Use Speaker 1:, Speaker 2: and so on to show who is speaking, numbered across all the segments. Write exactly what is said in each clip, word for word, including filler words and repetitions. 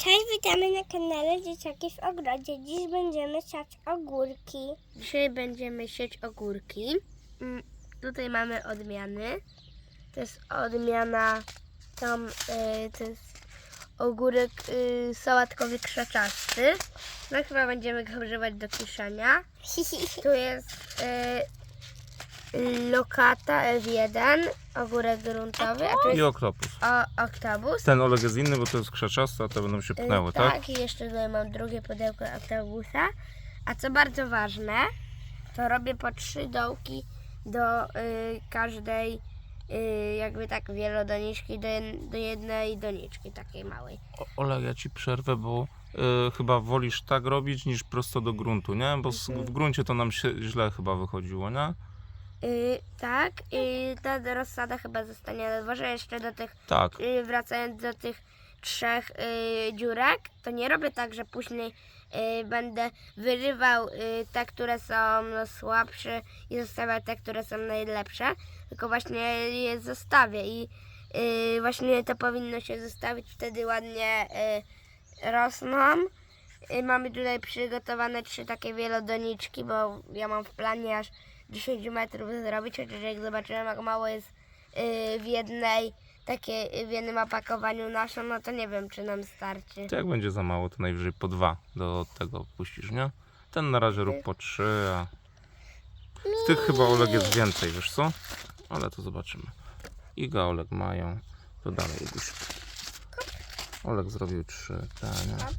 Speaker 1: Cześć, witamy na kanale Dzieciaki w Ogrodzie. Dziś będziemy siać ogórki.
Speaker 2: Dzisiaj będziemy siać ogórki. Mm, Tutaj mamy odmiany. To jest odmiana, tam y, to jest ogórek y, sałatkowy krzaczasty. No chyba będziemy go używać do kiszenia. Tu jest y, lokata F jeden, ogórek gruntowy, a tu
Speaker 3: I
Speaker 2: jest
Speaker 3: oktopus.
Speaker 2: o, oktobus.
Speaker 3: Ten Oleg jest inny, bo to jest krzaczaste, a te będą się pchnęły,
Speaker 2: Y,
Speaker 3: tak?
Speaker 2: Tak, i jeszcze tutaj mam drugie pudełko oktobusa. A co bardzo ważne, to robię po trzy dołki do y, każdej y, jakby tak wielodoniczki, do, jed, do jednej doniczki takiej małej.
Speaker 3: O, Oleg, ja ci przerwę, bo y, chyba wolisz tak robić niż prosto do gruntu, nie? Bo s- w gruncie to nam się źle chyba wychodziło, nie?
Speaker 2: Y, tak, i ta rozsada chyba zostanie na dworze. Jeszcze do tych,
Speaker 3: Tak.
Speaker 2: y, wracając do tych trzech y, dziurek, to nie robię tak, że później y, będę wyrywał y, te, które są no, słabsze i zostawiał te, które są najlepsze, tylko właśnie je zostawię i y, właśnie to powinno się zostawić, wtedy ładnie y, rosną. Y, mamy tutaj przygotowane trzy takie wielodoniczki, bo ja mam w planie aż dziesięć metrów zrobić, chociaż jak zobaczyłem, jak mało jest y, w jednej takie w jednym opakowaniu naszą, no to nie wiem, czy nam starczy.
Speaker 3: To jak będzie za mało, to najwyżej po dwa do tego puścisz, nie? Ten na razie rób po trzy, a z tych chyba Oleg jest więcej, wiesz co? Ale to zobaczymy. Iga, Oleg mają. To dalej, Iguś. Oleg zrobił trzy, tak, nie?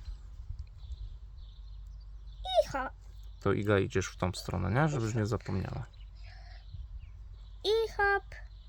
Speaker 1: I hop,
Speaker 3: To Iga idziesz w tą stronę, nie? Żebyś nie zapomniała.
Speaker 1: i hop.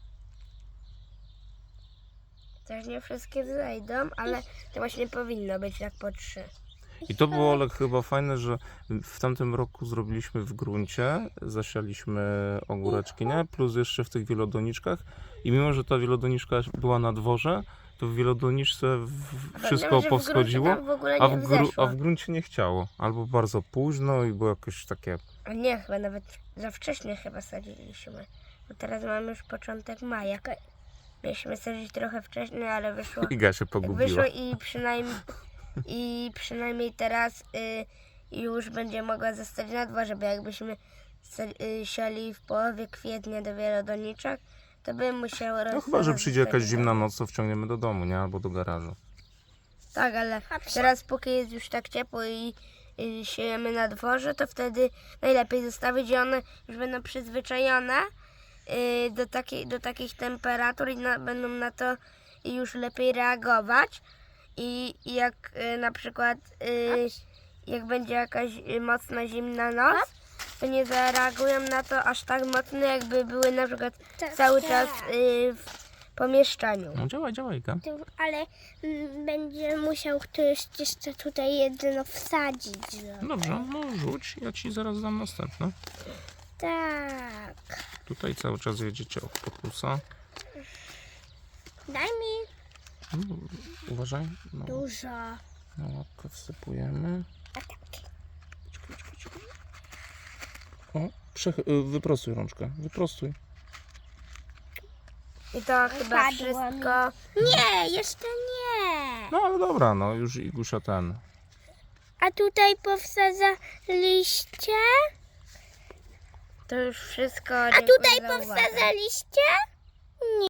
Speaker 2: Też nie wszystkie wzejdą, ale to właśnie powinno być tak po trzy.
Speaker 3: I to było, Oleg, chyba fajne, że w tamtym roku zrobiliśmy w gruncie, zasialiśmy ogóreczki, nie? Plus jeszcze w tych wielodoniczkach. I mimo, że ta wielodoniczka była na dworze, to w wielodoniczce w- wszystko
Speaker 2: Pamiętam, że w
Speaker 3: powschodziło,
Speaker 2: gruncie tam w ogóle
Speaker 3: a
Speaker 2: nie
Speaker 3: w, gru,
Speaker 2: wzeszło.
Speaker 3: a w gruncie nie chciało. Albo bardzo późno i było jakieś takie...
Speaker 2: A nie, chyba nawet za wcześnie chyba sadziliśmy. Bo teraz mamy już początek maja. Mieliśmy sadzić trochę wcześniej, ale wyszło,
Speaker 3: Iga się pogubiła.
Speaker 2: wyszło i przynajmniej i przynajmniej teraz y, już będzie mogła zostać na dworze, bo jakbyśmy sa- y, siali w połowie kwietnia do wielodoniczek, to by musiało
Speaker 3: No chyba, że przyjdzie jakaś zimna noc, to wciągniemy do domu, nie? Albo do garażu.
Speaker 2: Tak, ale teraz póki jest już tak ciepło i, i siejemy na dworze, to wtedy najlepiej zostawić i one już będą przyzwyczajone y, do, takiej, do takich temperatur i na, będą na to już lepiej reagować. I, i jak y, na przykład y, jak będzie jakaś y, mocna zimna noc, to nie zareagują na to aż tak mocno, jakby były na przykład
Speaker 1: Tak,
Speaker 2: cały
Speaker 1: tak.
Speaker 2: czas y, w pomieszczeniu.
Speaker 3: No działaj, działaj, Iga.
Speaker 1: Tu, ale mm, będzie musiał ktoś jeszcze tutaj jedno wsadzić. No.
Speaker 3: Dobrze, no rzuć, ja ci zaraz dam następne.
Speaker 1: Tak.
Speaker 3: Tutaj cały czas jedziecie od pokusa.
Speaker 1: Daj mi
Speaker 3: No, uważaj. No,
Speaker 1: dużo.
Speaker 3: na łapkę wsypujemy.
Speaker 1: A tak.
Speaker 3: O, przech- y, wyprostuj rączkę, wyprostuj.
Speaker 2: I to chyba
Speaker 1: Wypadło
Speaker 2: wszystko.
Speaker 1: Nie, jeszcze nie.
Speaker 3: No ale dobra, no już Igusia ten.
Speaker 1: A tutaj powsadzaliście?
Speaker 2: To już wszystko.
Speaker 1: A
Speaker 2: Dziękuję
Speaker 1: tutaj
Speaker 2: za uwagę.
Speaker 1: powsadzaliście?